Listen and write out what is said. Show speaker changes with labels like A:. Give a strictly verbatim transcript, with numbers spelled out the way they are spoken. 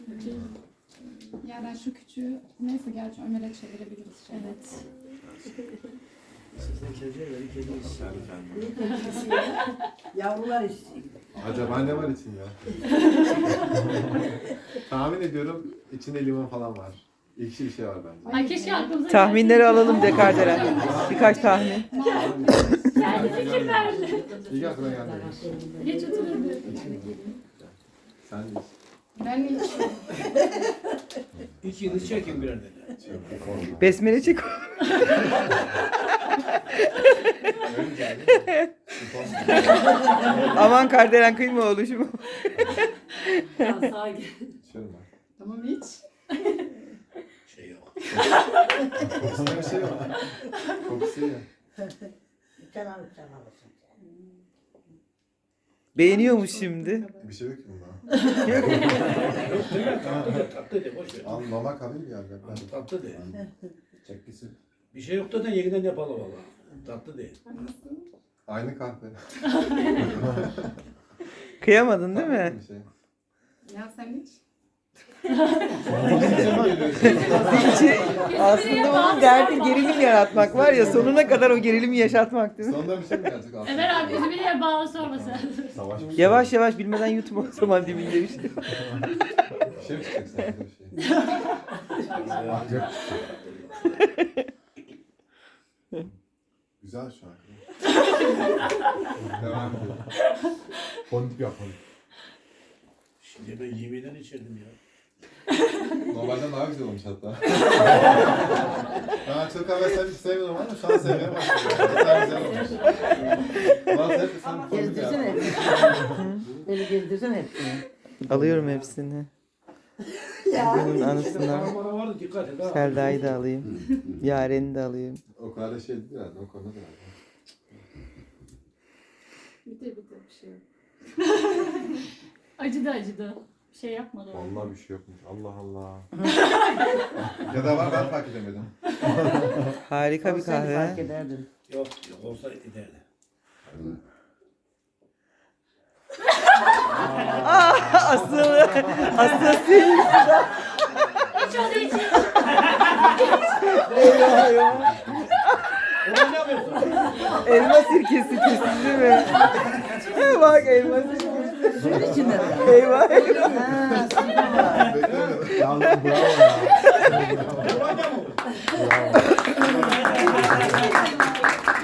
A: Yani şu küçüğü neyse gerçi Ömer'e çevirebiliriz. Şey.
B: Evet.
C: Sizden kediye verin, kedi istiyor.
D: Yavrular istiyor.
E: Acaba ne var içinde? Tahmin ediyorum içinde limon falan var. İkisi bir şey var bence.
B: Ay keşke aklımıza
F: Tahminleri alalım de Kardelen. Birkaç tahmin.
B: Geldi fikir verdi.
E: İlk aklına geldi.
B: Geç oturun.
E: Sen de
A: Ben hiç
C: İki yıldız çekin birer tane.
F: Besmele çek. Aman Kardelen kıyma oluşumu.
E: içiyorum ben.
A: tamam hiç.
C: Şey yok.
E: Kokusunda bir şey yok. Kokusu ya.
D: Kenan çalmasın.
F: Beğeniyormuş şimdi.
E: Bir şey yok ki bunda.
C: Yok değil mi? Tatlı de, tatlı de, boş ver.
E: Al mama kalayım ya. Ben
C: Tatlı de.
E: çekkisi.
C: Bir şey yok da yeniden yapalım valla. Tatlı de.
E: Aynı kahve.
F: Kıyamadın değil mi?
E: Bir şey.
A: Ya sen hiç.
F: İçi, aslında onun derdi gerilim yaratmak var ya, sonuna kadar o gerilimi yaşatmak değil mi?
E: Sonunda bir şey mi gelecek aslında?
B: Ömer abi bizi bir yere bağlı sormasın.
E: Savaş bir şey.
F: Yavaş yavaş bilmeden yutma o zaman dibinde bir şey.
E: Bir şey mi çıkacak sende bir şey? Güzel şu an. Devam edelim. Fondip yapalım.
C: Şimdi ben yemeğden içerdim ya.
E: Normalden daha güzel olmuş hatta. Ben çok kahve sen hiç sevmiyorum ama şu an sevmeye başladım. Güzel güzel olmuş. Bazı hep sen fondip
D: Gezdirsin
E: yapalım.
D: hepsini. Beni gezdirsin hepsini.
F: Alıyorum hepsini. Bunun anısına
C: Bana vardı dikkat et ha.
F: Selda'yı da alayım. Yaren'i de alayım.
E: O kadar da şey değil herhalde. O konuda da herhalde.
A: Bitir bitir bir şey yok.
B: Acıdı acıdı. Bir şey yapmadı. o.
E: Vallahi bir şey yokmuş. Allah Allah. Ya da var ben fark edemedim.
F: Harika bir
D: Olsaydı fark
F: kahve.
D: ederdin.
C: Yok yok olsa giderdi.
F: Asıl, asıl sil.
B: Hiç o değil.
F: Eyvah eyvah.
C: Ulan ne yapıyorsun?
F: Elma sirkesi kesin değil mi? Bak elma sirkesi.
D: Suyun içinde mi?
F: Eyvah eyvah.
D: Ha, suyun var.
E: Beklemedim. Yalnız bravo ya.
C: Ulan ne bu?